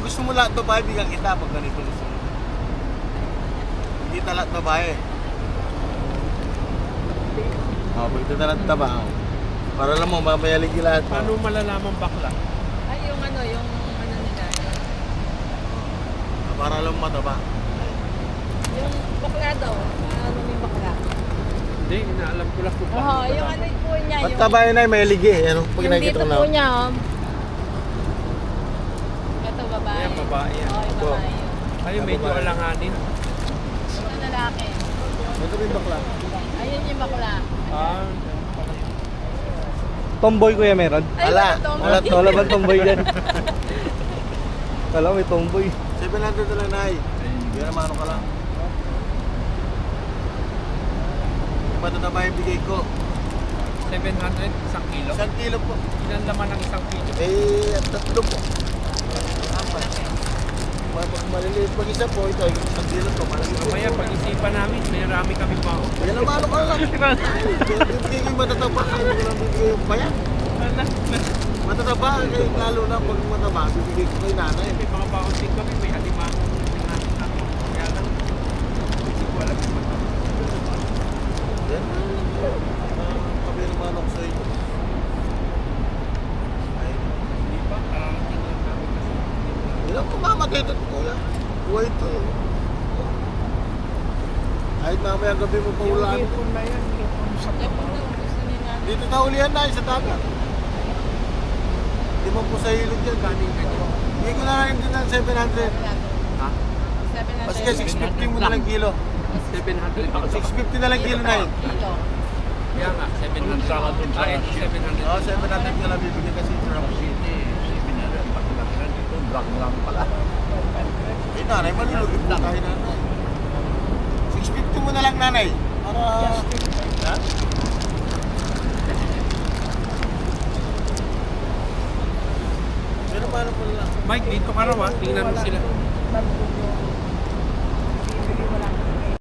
gusto mo lahat babae, bigyan kita pag ganito gusto mo. Hindi ta lahat babae. Pag ito na lang taba. Para lang mo, mamayalig yung lahat. Paano malalaman bakla? Ay, yung ano nila. Para lang mataba. Yung bakla daw. Ano yung bakla? Hindi, inaalam ko lang kung Oo, bakla. yung ano po niya. Ba't taba yun ay mayalig eh? Ano? Pag Yung nakikita dito ko na. po niya, Ito, babae. Ayan, babae yan. Oo, yung Opo. babae yun. Ay, medyo Babae. alanganin. Ito lalaki. Ito rin bakla. Ayun yung bakla. Ah, Tomboy kuya meron? Ay, Wala. wala to. Wala bang tomboy dyan? Kala ko may tomboy. 700 na lang na ay. Hindi na mano ka lang. Matataba yung bigay ko. 700, isang kilo. 1 kilo po. Ilan laman ng isang kilo? Eh, at 3 po. Apat. Pag maliliit pag isa po, ito, 1 kilo po. Maliliit Mamaya, po. pag-isipan namin, may rami kami pa. Yan ang mano ka lang. Bibigay ko yung matataba. Hindi ko lang bibigay yung bayan. Matataba, eh, lalo na pag mataba, bibigay ko kay nanay. May mga baon din kami, may alimango din natin ako. Kaya lang, hindi ko alam kung ano. Yan. Kami naman ako sa inyo. Ay, Hindi pa, kararating lang namin kasi. ilang kumamatay ito, kuya. Buhay ito. Kahit mamaya gabi mo pa ulan. Yung na yan, yung sa Ito daw, gusto nila. Dito naulihan na sa dagat. Di mo po sa ilog yan. kaning ganyan. Hindi ko na rin din ng 700. Ha? 700. Mas kaya 650 mo na lang kilo. 700 ako. 650 na lang kilo na yun. Kilo. Kaya nga, 700. Ah, ito 700. Oo, 700 ka lang bibigyan kasi ito ng city. 700. Pagkakalan dito, drug lang pala. Eh, nanay, malulugin po tayo nanay. 650 mo na lang nanay. Para... Ha? Pero paano po lang? Mike, dito ka raw ha. Tingnan mo sila.